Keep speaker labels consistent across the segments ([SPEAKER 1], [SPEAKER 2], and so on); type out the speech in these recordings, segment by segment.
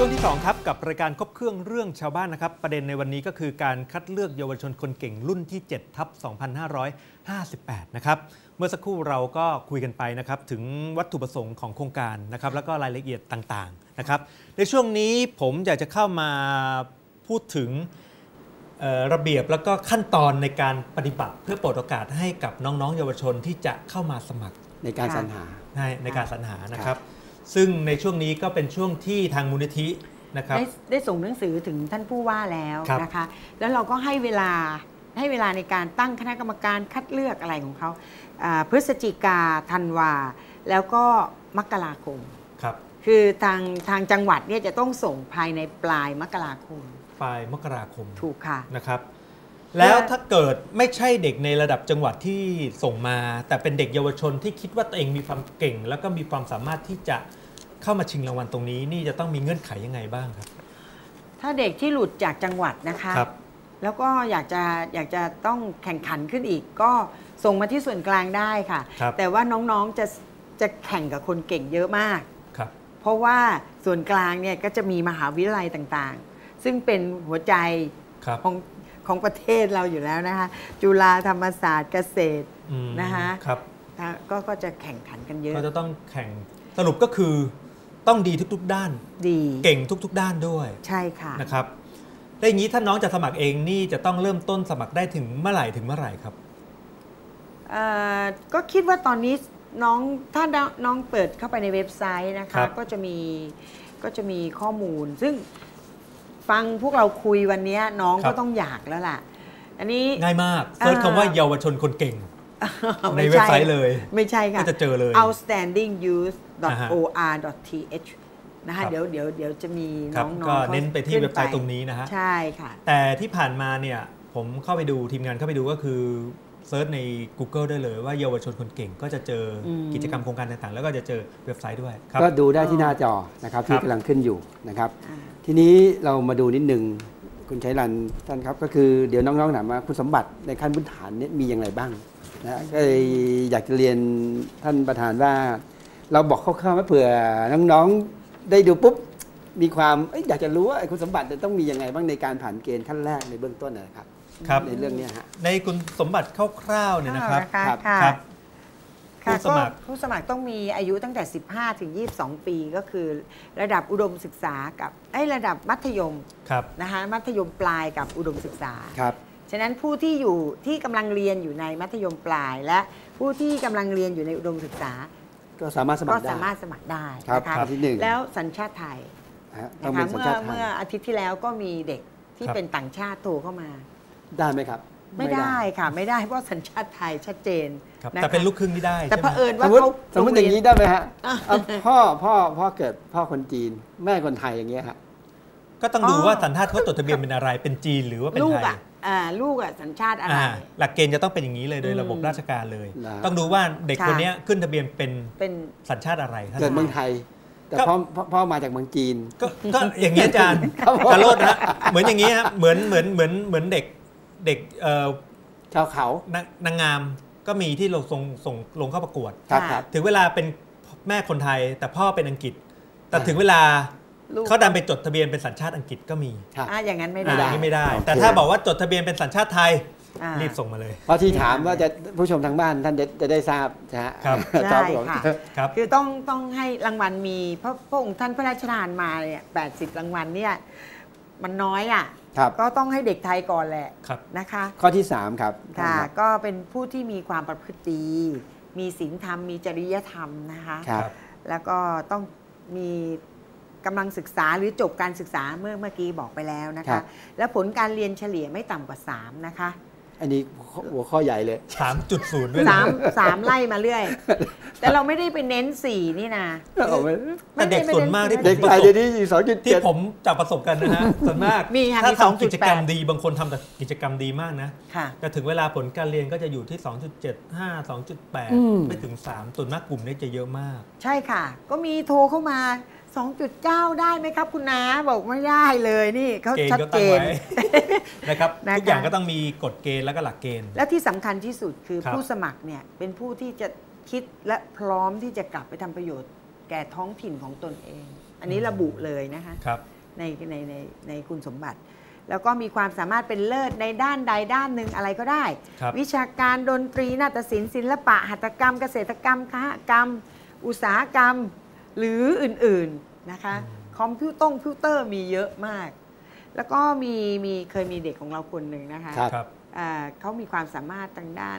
[SPEAKER 1] ช่วงที่2ครับกับรายการครบเครื่องเรื่องชาวบ้านนะครับประเด็นในวันนี้ก็คือการคัดเลือกเยาวชนคนเก่งรุ่นที่7/2558นะครับเมื่อสักครู่เราก็คุยกันไปนะครับถึงวัตถุประสงค์ของโครงการนะครับแล้วก็รายละเอียดต่างๆนะครับในช่วงนี้ผมอยากจะเข้ามาพูดถึงระเบียบแล้วก็ขั้นตอนในการปฏิบัติเพื่อเปิดโอกาสให้กับน้องๆเยาวชนที่จะเข้ามาสมัคร
[SPEAKER 2] ในการสรรหา
[SPEAKER 1] ในการสรรหานะครับซึ่งในช่วงนี้ก็เป็นช่วงที่ทางมูลนิธินะครับ
[SPEAKER 3] ได้ส่งหนังสือถึงท่านผู้ว่าแล้วนะคะแล้วเราก็ให้เวลาในการตั้งคณะกรรมการคัดเลือกอะไรของเขาพฤศจิกาธันวาแล้วก็มกราคม
[SPEAKER 1] ครับ
[SPEAKER 3] คือทางจังหวัดเนี่ยจะต้องส่งภายในปลายมกราคม
[SPEAKER 1] ถูก
[SPEAKER 3] ค่ะ
[SPEAKER 1] นะครับแล้วถ้าเกิดไม่ใช่เด็กในระดับจังหวัดที่ส่งมาแต่เป็นเด็กเยาวชนที่คิดว่าตัวเองมีความเก่งแล้วก็มีความสามารถที่จะเข้ามาชิงรางวัลตรงนี้นี่จะต้องมีเงื่อนไขยังไงบ้างครับ
[SPEAKER 3] ถ้าเด็กที่หลุดจากจังหวัดนะคะแล้วก็อยากจะต้องแข่งขันขึ้นอีกก็ส่งมาที่ส่วนกลางได้ค่ะแต่ว่าน้องๆจะแข่งกับคนเก่งเยอะมากเพราะว่าส่วนกลางเนี่ยก็จะมีมหาวิทยาลัยต่างๆซึ่งเป็นหัวใจของประเทศเราอยู่แล้วนะคะจุฬาธรรมศาสตร์เกษตรนะคะก็จะแข่งขันกันเยอะ
[SPEAKER 1] ก็จะต้องแข่งสรุปก็คือต้องดีทุกๆด้านเก่งทุกๆด้านด้วย
[SPEAKER 3] ใช่ค่ะ
[SPEAKER 1] นะครับได้อย่างนี้ถ้าน้องจะสมัครเองนี่จะต้องเริ่มต้นสมัครได้ถึงเมื่อไหร่ครับ
[SPEAKER 3] ก็คิดว่าตอนนี้ถ้าน้องเปิดเข้าไปในเว็บไซต์นะคะก็จะมีข้อมูลซึ่งฟังพวกเราคุยวันนี้น้องก็ต้องอยากแล้วล่ะอันนี้
[SPEAKER 1] ง่ายมากเซิร์ชคำว่าเยาวชนคนเก่งในเว็บไซต์เลย
[SPEAKER 3] ไม่ใช่ค่ะ
[SPEAKER 1] ก็จะเจอเลย
[SPEAKER 3] outstandingyouth.or.th นะคะเดี๋ยวจะมีน้องๆ
[SPEAKER 1] ก็เน้นไปที่เว็บไซต์ตรงนี้นะฮะ
[SPEAKER 3] ใช่ค่ะ
[SPEAKER 1] แต่ที่ผ่านมาเนี่ยผมเข้าไปดูทีมงานเข้าไปดูก็คือเซิร์ชใน Google ได้เลยว่าเยาวชนคนเก่งก็จะเจอกิจกรรมโครงการต่างๆแล้วก็จะเจอเว็บไซต์ด้วย
[SPEAKER 2] ก็ดูได้ที่หน้าจอนะครับที่กำลังขึ้นอยู่นะครับทีนี้เรามาดูนิดนึงคุณชัยรันท่านครับก็คือเดี๋ยวน้องๆถามว่าคุณสมบัติในขั้นพื้นฐานนี้มีอย่างไรบ้างนะก็เลยอยากจะเรียนท่านประธานว่าเราบอกคร่าวๆว่าเผื่อน้องๆได้ดูปุ๊บมีความอยากจะรู้ว่าคุณสมบัติจะต้องมียังไงบ้างในการผ่านเกณฑ์ขั้นแรกในเบื้องต้นนะครับในเรื่องนี้ฮะ
[SPEAKER 1] ในคุณสมบัติคร่าวๆเนี่ยนะครับ
[SPEAKER 3] ผู้สมัครต้องมีอายุตั้งแต่15 ถึง 22 ปีก็คือระดับอุดมศึกษากับระดับมัธยมนะคะมัธยมปลายกับอุดมศึกษาฉะนั้นผู้ที่กำลังเรียนอยู่ในมัธยมปลายและผู้ที่กำลังเรียนอยู่ในอุดมศึกษา
[SPEAKER 2] ก็สามารถสมัคร
[SPEAKER 3] ได้นะคะแล้วสัญชาติไทยนะคะเมื่ออาทิตย์ที่แล้วก็มีเด็กที่เป็นต่างชาติโทรเข้ามา
[SPEAKER 2] ได้ไหมครับ
[SPEAKER 3] ไม่ได้ค่ะไม่ได้เพราะสัญชาติไทยชัดเจน
[SPEAKER 1] แต่เป็นลูกครึ่งที่ได้
[SPEAKER 3] แต่เผอิญว่าเขา
[SPEAKER 2] สมมติอย่างนี้ได้ไหมฮะพ่อเกิดพ่อคนจีนแม่คนไทยอย่างเงี้ยฮะ
[SPEAKER 1] ก็ต้องดูว่าสัญชาติเขาจดทะเบียนเป็นอะไรเป็นจีนหรือว่าเป็นไทย
[SPEAKER 3] ลูกสัญชาติอะไร
[SPEAKER 1] หลักเกณฑ์จะต้องเป็นอย่างนี้เลยโดยระบบราชการเลยต้องดูว่าเด็กคนนี้ขึ้นทะเบียนเป็นสัญชาติอะไร
[SPEAKER 2] เกิดเมืองไทยแต่พ่อมาจากเมืองจีน
[SPEAKER 1] ก็อย่างนี้อาจารย์กระโลดนะเหมือนอย่างนี้ฮะเหมือนเด็ก
[SPEAKER 2] ชาวเขา
[SPEAKER 1] นางงามก็มีที่เราส่งลงเข้าประกวดถึงเวลาเป็นแม่คนไทยแต่พ่อเป็นอังกฤษแต่ถึงเวลาเขาดันไปจดทะเบียนเป็นสัญชาติอังกฤษก็มี
[SPEAKER 3] อย่างนั้นไม่
[SPEAKER 1] ได้แต่ถ้าบอกว่าจดทะเบียนเป็นสัญชาติไทยรีบส่งมาเลย
[SPEAKER 2] เพราะที่ถามว่าจะผู้ชมทางบ้านท่านจะได้ทราบนะฮะ
[SPEAKER 3] ใช่ค่ะคือต้องให้รางวัลมีเพราะพระองค์ท่านพระราชทานมาเนี่ย80 รางวัลเนี่ยมันน้อยก็ต้องให้เด็กไทยก่อนแหละนะคะ
[SPEAKER 2] ข้อที่3ครับ
[SPEAKER 3] ค่ะก็เป็นผู้ที่มีความประพฤติดีมีศีลธรรมมีจริยธรรมนะคะแล้วก็ต้องมีกำลังศึกษาหรือจบการศึกษาเมื่อกี้บอกไปแล้วนะคะแล้วผลการเรียนเฉลี่ยไม่ต่ำกว่า3นะคะ
[SPEAKER 2] อันนี้หัวข้อใหญ่เลย
[SPEAKER 1] 3.0 ด้วย
[SPEAKER 3] 3ไล่มาเรื่อยแต่เราไม่ได้ไปเน้น4นี่นะ
[SPEAKER 1] แต่เด็กส่วนมากที่
[SPEAKER 2] เด็กไทยเดี๋ยวนี้2.7
[SPEAKER 1] ที่ผมจับประสบกันนะฮะส่วนมากถ้าทำกิจกรรมดีบางคนทำแต่กิจกรรมดีมากนะแต่ถึงเวลาผลการเรียนก็จะอยู่ที่ 2.75 2.8 ไม่ถึง3ส่วนมากกลุ่มนี้จะเยอะมาก
[SPEAKER 3] ใช่ค่ะก็มีโทรเข้ามา2.9 ได้ไหมครับคุณน้าบอกไม่ได้เลยนี่เขาชัดเจน
[SPEAKER 1] นะครับทุกอย่างก็ต้องมีกฎเกณฑ์แล้วก็หลักเกณฑ์
[SPEAKER 3] และที่สำคัญที่สุดคือผู้สมัครเนี่ยเป็นผู้ที่จะคิดและพร้อมที่จะกลับไปทำประโยชน์แก่ท้องถิ่นของตนเองอันนี้ระบุเลยนะคะในคุณสมบัติ แล้วก็มีความสามารถเป็นเลิศในด้านใดด้านหนึ่งอะไรก็ได้ วิชาการดนตรีนาฏศิลป์ศิลปะหัตถกรรมเกษตรกรรมคหกรรมอุตสาหกรรมหรืออื่นๆนะคะคอมพิวเตอร์มีเยอะมาก แล้วก็เคยมีเด็กของเราคนหนึ่งนะคะเขามีความสามารถทางด้าน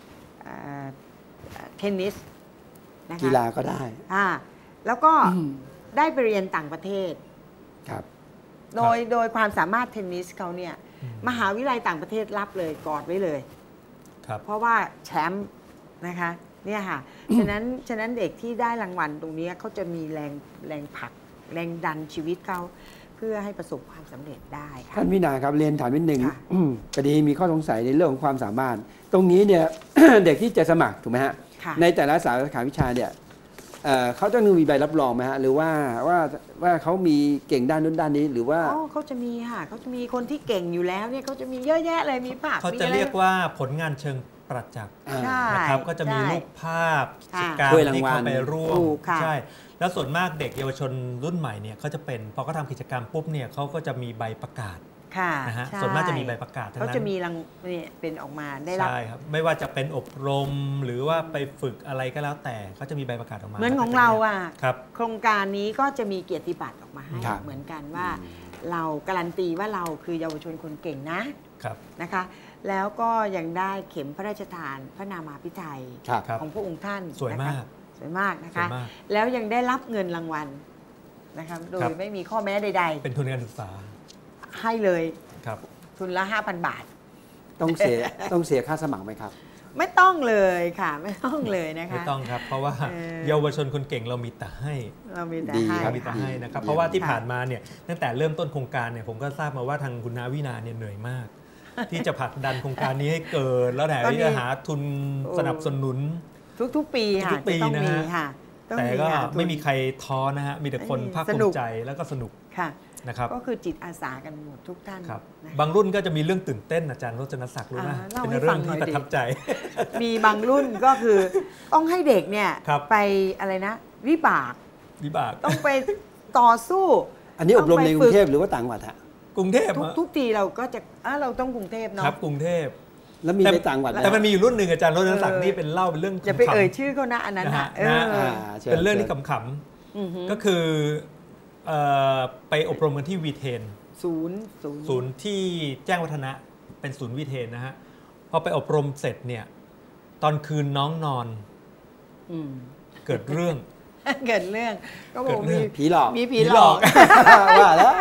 [SPEAKER 3] เทนนิสนะคะ
[SPEAKER 2] กีฬาก็ได้
[SPEAKER 3] แล้วก็ได้ไปเรียนต่างประเทศ
[SPEAKER 2] ครับ
[SPEAKER 3] โดยความสามารถเทนนิสเขาเนี่ยมหาวิทยาลัยต่างประเทศรับเลยกอดไว้เลยเพราะว่าแชมป์นะคะเนี่ยค่ะฉะนั้นเด็กที่ได้รางวัลตรงนี้เขาจะมีแรงผลักแรงดันชีวิตเขาเพื่อให้ประสบความสำเร็จได้ค่ะ
[SPEAKER 2] ท่านวินาครับเรียนถามนิดนึงพอดีมีข้อสงสัยในเรื่องของความสามารถตรงนี้เนี่ย เด็กที่จะสมัครถูกไหมฮะในแต่ละสาขาวิชาเนี่ยเขาต้องมีใบรับรองไหมฮะหรือว่าเขามีเก่งด้านนู้นด้านนี้หรือว่า
[SPEAKER 3] เขาจะมีค่ะเขาจะมีคนที่เก่งอยู่แล้วเนี่ยเขาจะมีเยอะแยะเลยมีภาพ
[SPEAKER 1] เขาจะเรียกว่าผลงานเชิงประจักษ์นะครับก็จะมีรูปภาพกิจกรรมที่เขาไปร่วมใช่แล้วส่วนมากเด็กเยาวชนรุ่นใหม่เนี่ยเขาจะเป็นพอเขาทำกิจกรรมปุ๊บเนี่ยเขาก็จะมีใบประกาศนะฮะส่วนมากจะมีใบประกาศ
[SPEAKER 3] เขาจะมีเนี่ยเป็นออกมาได้รับ
[SPEAKER 1] ใช่ครับไม่ว่าจะเป็นอบรมหรือว่าไปฝึกอะไรก็แล้วแต่เขาจะมีใบประกาศออกมา
[SPEAKER 3] เหมือนของเราโครงการนี้ก็จะมีเกียรติบัตรออกมาให้เหมือนกันว่าเราการันตีว่าเราคือเยาวชนคนเก่งนะคะแล้วก็ยังได้เข็มพระราชทานพระนามาภิไธยของพระองค์ท่าน
[SPEAKER 1] สวยมาก
[SPEAKER 3] นะคะแล้วยังได้รับเงินรางวัลนะคะโดยไม่มีข้อแม้ใด
[SPEAKER 1] ๆเป็นทุนการศึกษา
[SPEAKER 3] ให้เลยทุนละ 5,000 บาท
[SPEAKER 2] ต้องเสียค่าสมัครไหมครับ
[SPEAKER 3] ไม่ต้องเลยค่ะไม่ต้องเลยนะคะ
[SPEAKER 1] ไม่ต้องครับเพราะว่าเยาวชนคนเก่งเรามีแต่ให้นะครับเพราะว่าที่ผ่านมาเนี่ยตั้งแต่เริ่มต้นโครงการเนี่ยผมก็ทราบมาว่าทางคุณนาวินาเนี่ยเหนื่อยมากที่จะผลักดันโครงการนี้ให้เกิดแล้วแต่ที่จะหาทุนสนับสนุน
[SPEAKER 3] ทุกปีค่ะ
[SPEAKER 1] ต้องมีค่ะแต่ก็ไม่มีใครท้อนะฮะมีแต่คนภาคภูมิใจแล้วก็สนุกนะครับ
[SPEAKER 3] ก็คือจิตอาสากันหมดทุกท่าน
[SPEAKER 1] บางรุ่นก็จะมีเรื่องตื่นเต้นอาจารย์รจนศักดิ์รู้นะเป็นเรื่องที่ประทับใจ
[SPEAKER 3] มีบางรุ่นก็คือต้องให้เด็กเนี่ยไปอะไรนะวิบากต้องไปต่อสู้
[SPEAKER 2] อันนี้อบรมในกรุงเทพหรือว่าต่างจังหวัดฮะ
[SPEAKER 1] กรุงเทพ
[SPEAKER 3] ทุกทีเราก็จะเราต้องกรุงเทพเนาะ
[SPEAKER 1] ครับกรุงเทพ
[SPEAKER 2] แล้วมีในต่างจังหวัด
[SPEAKER 1] แต่มันมีอยู่รุ่นหนึ่งอาจารย์รจนศักดิ์นี่เป็นเล่าเป็นเรื่อง
[SPEAKER 3] อย่าไปเอ่ยชื่อเขานะอันนั้นนะ
[SPEAKER 1] เป็นเรื่องที่ขำๆก็คือไปอบรมกันที่วีเทนศูนย์ที่แจ้งวัฒนะเป็นศูนย์วีเทนนะฮะพอไปอบรมเสร็จเนี่ยตอนคืนน้องนอนเกิดเรื่อง
[SPEAKER 3] ก็บอกมี
[SPEAKER 2] ผีหลอก
[SPEAKER 3] ว่าแล้ว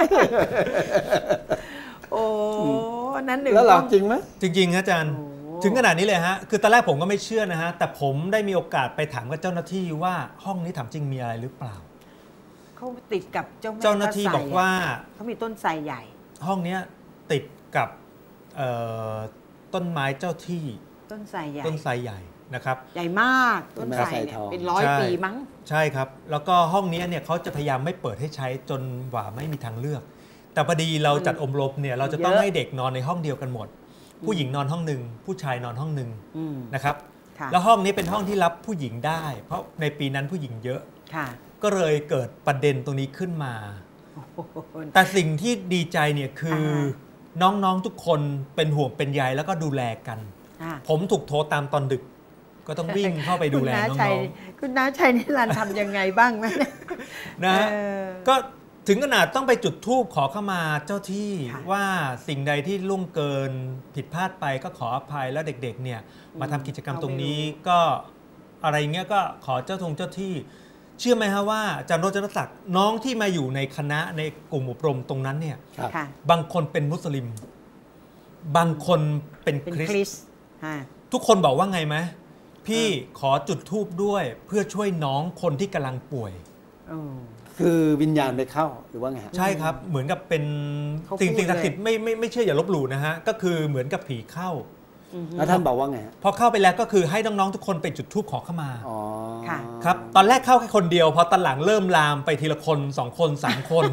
[SPEAKER 3] โอ้นั้นหนึ่ง
[SPEAKER 2] แล้วหลอกจริงไหม
[SPEAKER 1] จริงๆอาจารย์ถึงขนาดนี้เลยฮะคือตอนแรกผมก็ไม่เชื่อนะฮะแต่ผมได้มีโอกาสไปถามกับเจ้าหน้าที่ว่าห้องนี้ถามจริงมีอะไรหรือเปล่า
[SPEAKER 3] เขาติดกับ
[SPEAKER 1] เจ้าหน้าที่บอกว่า
[SPEAKER 3] เขามีต้นไทรใหญ่
[SPEAKER 1] ห้องนี้ติดกับต้นไม้เจ้าที่
[SPEAKER 3] ต้นไทรใ
[SPEAKER 1] หญ่นะครับ
[SPEAKER 3] ใหญ่มากต้นไทรเป็น100 ปีมั้ง
[SPEAKER 1] ใช่ครับแล้วก็ห้องนี้เนี่ยเขาจะพยายามไม่เปิดให้ใช้จนกว่าไม่มีทางเลือกแต่พอดีเราจัดอบรมเนี่ยเราจะต้องให้เด็กนอนในห้องเดียวกันหมดผู้หญิงนอนห้องหนึ่งผู้ชายนอนห้องหนึ่งนะครับแล้วห้องนี้เป็นห้องที่รับผู้หญิงได้เพราะในปีนั้นผู้หญิงเยอะก็เลยเกิดประเด็นตรงนี้ขึ้นมาแต่สิ่งที่ดีใจเนี่ยคือน้องๆทุกคนเป็นห่วงเป็นใยแล้วก็ดูแลกันผมถูกโทรตามตอนดึกก็ต้องวิ่งเข้าไปดูแลน้อง
[SPEAKER 3] ๆคุณน้าชัยนิรันดร์ทำยังไงบ้างไหม
[SPEAKER 1] นะก็ถึงขนาดต้องไปจุดธูปขอเข้ามาเจ้าที่ว่าสิ่งใดที่ล่วงเกินผิดพลาดไปก็ขออภัยแล้วเด็กๆเนี่ยมาทำกิจกรรมตรงนี้ก็อะไรเงี้ยก็ขอเจ้าที่เชื่อไหมฮะว่าอาจารย์รจนศักดิ์น้องที่มาอยู่ในคณะในกลุ่มอบรมตรงนั้นเนี่ยบางคนเป็นมุสลิมบางคนเป็นคริสต์ทุกคนบอกว่าไงไหมพี่ขอจุดธูปด้วยเพื่อช่วยน้องคนที่กำลังป่วย
[SPEAKER 2] คือวิญญาณไปเข้าหรือว่าไง
[SPEAKER 1] ใช่ครับเหมือนกับเป็นสิ่งศักดิ์สิทธิ์ไม่เชื่ออย่าลบหลู่นะฮะก็คือเหมือนกับผีเข้า
[SPEAKER 2] แล้วท่านบอกว่าไง
[SPEAKER 1] พอเข้าไปแล้วก็คือให้น้องๆทุกคนไปจุดธูปขอเข้ามาครับตอนแรกเข้าแค่คนเดียวพอตอนหลังเริ่มลามไปทีละคน2 คน 3 คน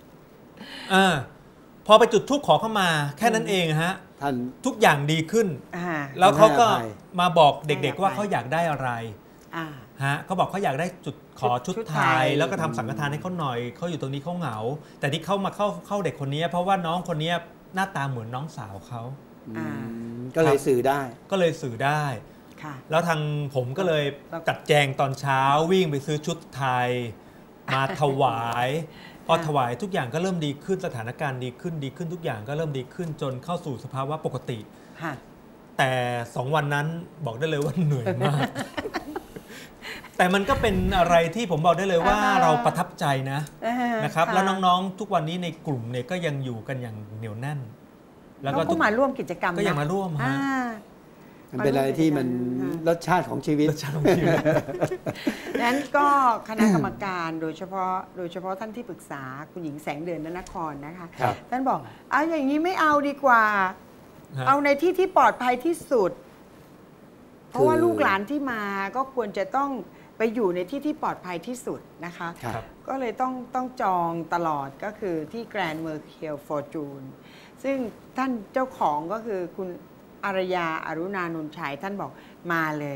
[SPEAKER 1] พอไปจุดธูปขอเข้ามาแค่นั้นเองฮะท่านทุกอย่างดีขึ้นแล้วเขาก็มาบอกเด็กๆว่าเขาอยากได้อะไรฮะเขาบอกเขาอยากได้ขอชุดไทยแล้วก็ทำสังฆทานให้เขาหน่อยเขาอยู่ตรงนี้เขาเหงาแต่ที่เข้ามาเข้าเด็กคนนี้เพราะว่าน้องคนนี้หน้าตาเหมือนน้องสาวเขา
[SPEAKER 2] ก็เลยสื่อได้
[SPEAKER 1] แล้วทางผมก็เลยจัดแจงตอนเช้าวิ่งไปซื้อชุดไทยมาถวายพอถวายทุกอย่างก็เริ่มดีขึ้นสถานการณ์ดีขึ้นทุกอย่างก็เริ่มดีขึ้นจนเข้าสู่สภาวะปกติแต่2 วันนั้นบอกได้เลยว่าเหนื่อยมาก แต่มันก็เป็นอะไรที่ผมบอกได้เลยว่าเราประทับใจนะครับแล้วน้องๆทุกวันนี้ในกลุ่มเนี่ยก็ยังอยู่กันอย่างเหนียวแน่น
[SPEAKER 3] แล้วก็มาร่วมกิจกรรม
[SPEAKER 1] ก็ยังมาร่วม
[SPEAKER 2] มันเป็นอะไรที่มันรสชาติของชีวิต
[SPEAKER 3] นั้นก็คณะกรรมการโดยเฉพาะท่านที่ปรึกษาคุณหญิงแสงเดือนนครนะคะท่านบอกเอาอย่างนี้ไม่เอาดีกว่าเอาในที่ปลอดภัยที่สุดเพราะว่าลูกหลานที่มาก็ควรจะต้องไปอยู่ในที่ปลอดภัยที่สุดนะคะก็เลยต้องจองตลอดก็คือที่แกรนด์เมอร์เคียลฟอร์จูนซึ่งท่านเจ้าของก็คือคุณอารยาอรุณานนท์ชัยท่านบอกมาเลย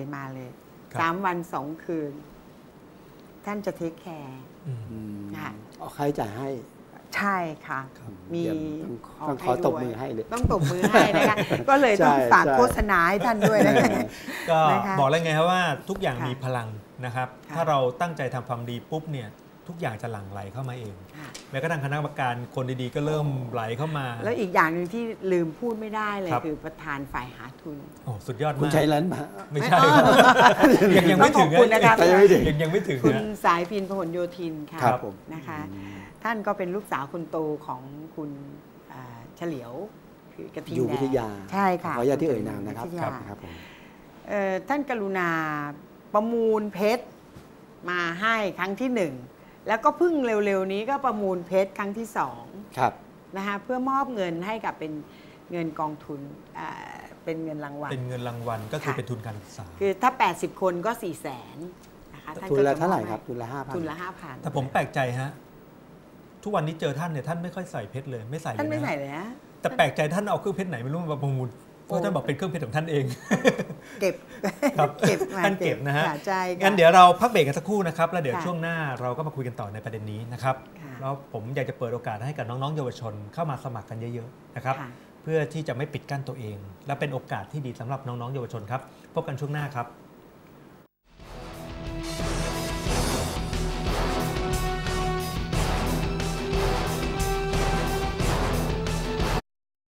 [SPEAKER 3] 3 วัน 2 คืนท่านจะเทคแคร์
[SPEAKER 2] นะคะเอาใครจ่ายให้
[SPEAKER 3] ใช่ค่ะมี
[SPEAKER 2] ต้องขอตบมือให้เลย
[SPEAKER 3] ต้องตบมือให้นะคะก็เลยต้องฝากโฆษณาให้ท่านด้วยนะคะ
[SPEAKER 1] ก็บอกแล้วไงครับว่าทุกอย่างมีพลังนะครับถ้าเราตั้งใจทำความดีปุ๊บเนี่ยทุกอย่างจะหลั่งไหลเข้ามาเองแม้กระทั่งคณะกรรมการคนดีๆก็เริ่มไหลเข้ามา
[SPEAKER 3] แล้วอีกอย่างหนึ่งที่ลืมพูดไม่ได้เลยคือประธานฝ่ายหาทุน
[SPEAKER 1] โอ้สุดยอดมาก
[SPEAKER 2] คุณชัยรัตน์
[SPEAKER 1] ไม่ใช่ยังไม่ถึง
[SPEAKER 3] นะครับ
[SPEAKER 1] ยังไม่ถึง
[SPEAKER 3] คุณสายพินพหลโยธินค่ะนะคะท่านก็เป็นลูกสาวคนโตของคุณเฉลียวคือกระทิงแดง
[SPEAKER 2] อยู่วิทยา
[SPEAKER 3] ใช่ค่ะ
[SPEAKER 2] ขออนุญาตที่เอ่ยนามนะครับ
[SPEAKER 3] ท่านกรุณาประมูลเพชรมาให้ครั้งที่1แล้วก็เพิ่งเร็วๆนี้ก็ประมูลเพชรครั้งที่2
[SPEAKER 2] ครับ
[SPEAKER 3] นะคะเพื่อมอบเงินให้กับเป็นเงินกองทุนเป็นเงินรางวัล
[SPEAKER 1] เป็นเงินรางวัลก็คือเป็นทุนการศึกษา
[SPEAKER 3] คือถ้า80คนก็400,000นะคะ
[SPEAKER 2] ทุนละเท่าไหร่ครับทุนละ 5,000
[SPEAKER 3] ทุนละ 5,000
[SPEAKER 1] แต่ผมแปลกใจฮะทุกวันนี้เจอท่านเนี่ยท่านไม่ค่อยใส่เพชรเลยไม่ใส่เลยนะ
[SPEAKER 3] ท่านไม่ใส่เลยนะ
[SPEAKER 1] แต่แปลกใจท่านเอาเครื่องเพชรไหนไม่รู้มาประมูลเพราะท่านบอกเป็นเครื่องเพชรของท่านเอง
[SPEAKER 3] เก็บ
[SPEAKER 1] ท่านเก็บนะฮะงั้นเดี๋ยวเราพักเบรกกันสักครู่นะครับแล้วเดี๋ยวช่วงหน้าเราก็มาคุยกันต่อในประเด็นนี้นะครับแล้วผมอยากจะเปิดโอกาสให้กับน้องๆเยาวชนเข้ามาสมัครกันเยอะๆนะครับเพื่อที่จะไม่ปิดกั้นตัวเองและเป็นโอกาสที่ดีสำหรับน้องๆเยาวชนครับพบกันช่วงหน้าครับ